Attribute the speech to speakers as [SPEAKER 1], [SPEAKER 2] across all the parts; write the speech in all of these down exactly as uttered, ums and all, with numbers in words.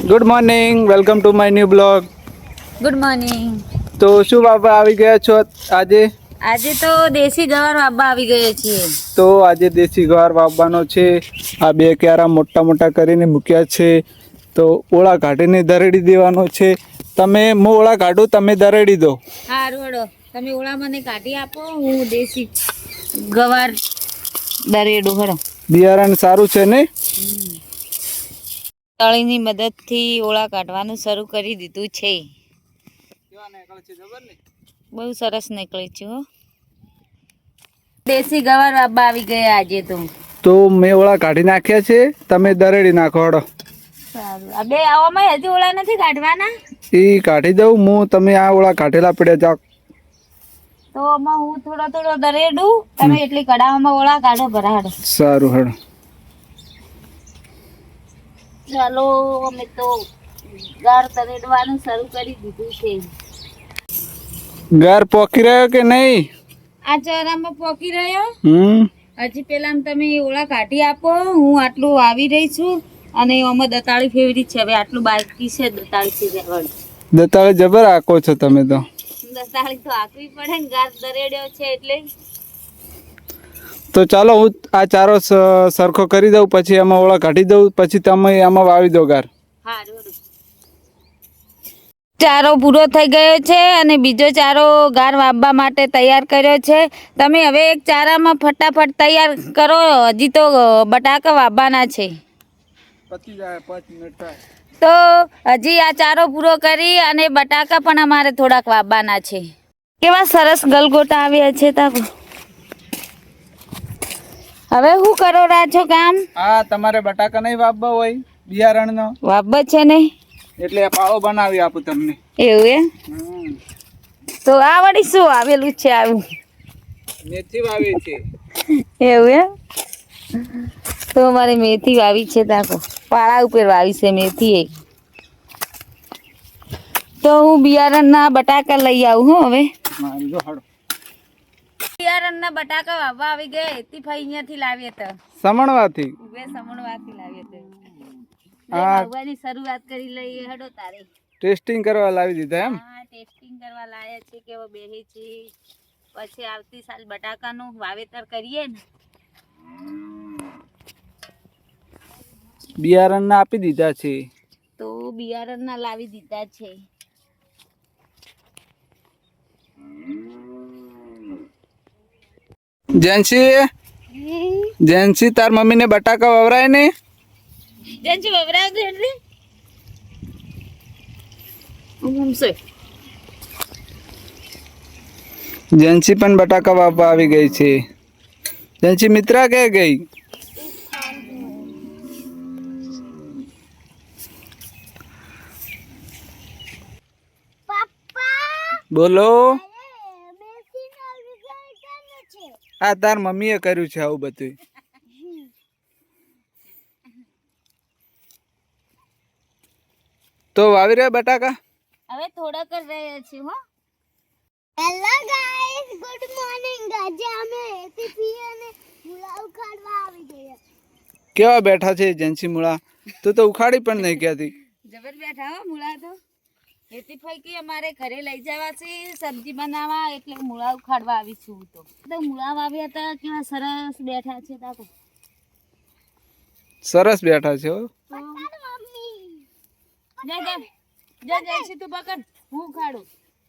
[SPEAKER 1] Good morning, welcome to my new blog.
[SPEAKER 2] Good morning.
[SPEAKER 1] તો શું બાબા આવી ગયા છો આજે?
[SPEAKER 2] આજે તો દેશી ગવાર વાવવા આવી ગયો છીએ.
[SPEAKER 1] તો આજે દેશી ગવાર વાવવાનો છે. આ બે ક્યારા મોટા મોટા કરીને મૂક્યા છે. તો ઓળા કાઢીને દરેડી દેવાનો છે. તમે હું ઓળા કાઢું, તમે દરેડી દો.
[SPEAKER 2] સારું હડો, તમે ઓળા મને કાઢી આપો, હું દેશી ગવાર દરેડું હડો.
[SPEAKER 1] બિયારણ સારું છે ને?
[SPEAKER 2] તળીની મદદથી ઓળા કાઢવાનું શરૂ કરી દીધું છે. બહુ સરસ નીકળે છે હો. દેશી ગવાર વાવવા આવી ગયા આજે તો.
[SPEAKER 1] તો મેં ઓળા કાઢી નાખ્યા છે, તમે દરેડી નાખો હડો.
[SPEAKER 2] સારું. આ બે આવામાં હજી ઓળા નથી કાઢવાના?
[SPEAKER 1] એ કાઢી દઉં હું, તમે આ ઓળા કાઢેલા પડ્યા જાઓ.
[SPEAKER 2] તો આમાં હું થોડો થોડો દરેડું, તમે એટલી કડાવામાં ઓળા કાઢો ભરાડો.
[SPEAKER 1] સારું હડો.
[SPEAKER 2] ચાલો, અમે તો ગાર દરેડવાનું શરૂ કરી દીધું છે.
[SPEAKER 1] ગાર પોકી રહ્યો કે નહીં?
[SPEAKER 2] આ ચરામાં પોકી રહ્યો.
[SPEAKER 1] હમ
[SPEAKER 2] હજી પેલા તમે ઓળા કાઢી આપો, હું આટલું આવી રહી છું. અને આમાં દતાળી ફેવરી છે. હવે આટલું બાકી છે દતાળી છે.
[SPEAKER 1] દતાળી જબર આકો છો તમે તો.
[SPEAKER 2] દતાળી તો આકવી પડે ને, ગાર દરેડ્યો છે એટલે.
[SPEAKER 1] તો ચાલો હું આ ચારો સરખો કરી દઉં, પછી એમાં ઓળા કાઢી દઉં, પછી તમે આમાં વાવી દો ગાર.
[SPEAKER 2] ચારો પૂરો થઈ ગયો છે અને બીજો ચારો ગાર વાવવા માટે તૈયાર કર્યો છે. તમે હવે એક ચારામાં ફટાફટ તૈયાર કરો, હજી તો બટાકા વાવવાના છે. તો હજી આ ચારો પૂરો કરી અને બટાકા પણ અમારે થોડાક વાવવાના છે. કેવા સરસ ગલગોટા આવ્યા છે. તાકો હવે શું કરો રહ્યા છો કામ?
[SPEAKER 1] હા, તમારે બટાકા નહીં વાવવા હોય બિયારણનો?
[SPEAKER 2] વાવવા છે ને, એટલે
[SPEAKER 1] પાળો બનાવી આપું તમને.
[SPEAKER 2] એવું એ? તો આ વળી શું આવેલું છે? આવું
[SPEAKER 1] મેથી વાવી છે.
[SPEAKER 2] એવું એ? તો અમારે મેથી વાવી છે. તાકો પાળા ઉપર વાવી છે મેથી. એક તો હું બિયારણના બટાકા લઈ આવું. હું હવે બિયારણના બટાકા વાવવા આવી ગયા. એથી ભાઈ અહીંયાથી લાવીએ તો
[SPEAKER 1] સમણવાથી
[SPEAKER 2] બે સમણવાથી લાવીએ તો વાવવાની શરૂઆત કરી લઈએ. હડો તારે
[SPEAKER 1] ટેસ્ટિંગ કરવા લાવી દીધા એમ?
[SPEAKER 2] હા, ટેસ્ટિંગ કરવા લાયા છે કેવો બેહે છે. પછી આવતી સાલ બટાકાનું વાવેતર કરીએ ને.
[SPEAKER 1] બિયારણના આપી દીધા છે.
[SPEAKER 2] તો બિયારણના લાવી દીધા છે.
[SPEAKER 1] જેન્સી જેન્સી તાર મમ્મી ને બટાકા વવરાય ને?
[SPEAKER 2] જેન્સી વવરાવ દે એટલે
[SPEAKER 1] જેન્સી પણ બટાકા વાવવા આવી ગઈ છે. જેન્સી મિત્રા કે ગઈ? બોલો. આ તાર મમ્મીએ કર્યું છે આવું બધું? તો વાવી રહ્યા બટાકા?
[SPEAKER 2] હવે થોડા કર રહ્યા છે. હો,
[SPEAKER 3] હેલો ગાઈસ, ગુડ મોર્નિંગ. આજે અમે એટીપી અને મુળા ઉખાડવા આવી ગયા.
[SPEAKER 1] કેવા બેઠા છે જેન્સી મુળા? તું તો ઉખાડી પણ નહીં ક્યાંથી.
[SPEAKER 2] જબર બેઠા હો મુળા તો. એથી ફઈકી અમારે ઘરે લઈ જવા છે સબ્જી બનાવવા, એટલે મુળા ઉખાડવા આવી છું. તો તો મુળા વાવ્યા હતા, કેવા સરસ બેઠા છે. તાકો
[SPEAKER 1] સરસ બેઠા છે. હો,
[SPEAKER 2] જા જા જા જેન્સી તું પકડ, હું ઉખાડું.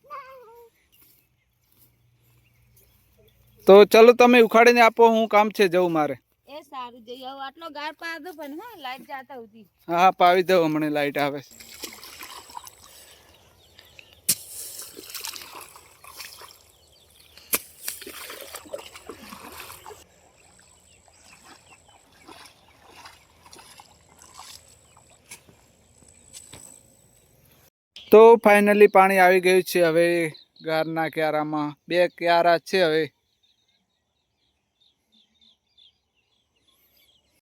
[SPEAKER 1] તો ચલો તમે ઉખાડીને આપો, હું કામ છે જવું મારે.
[SPEAKER 2] એ સારું, જઈ આવો. આટલો ગાર પા દો પણ. હા, લાઈટ જાતા હતી.
[SPEAKER 1] હા હા, પાવી દઉં, હમણાં લાઈટ આવે. તો ફાઇનલી પાણી આવી ગયું છે. હવે ગારના ક્યારામાં બે ક્યારા છે. હવે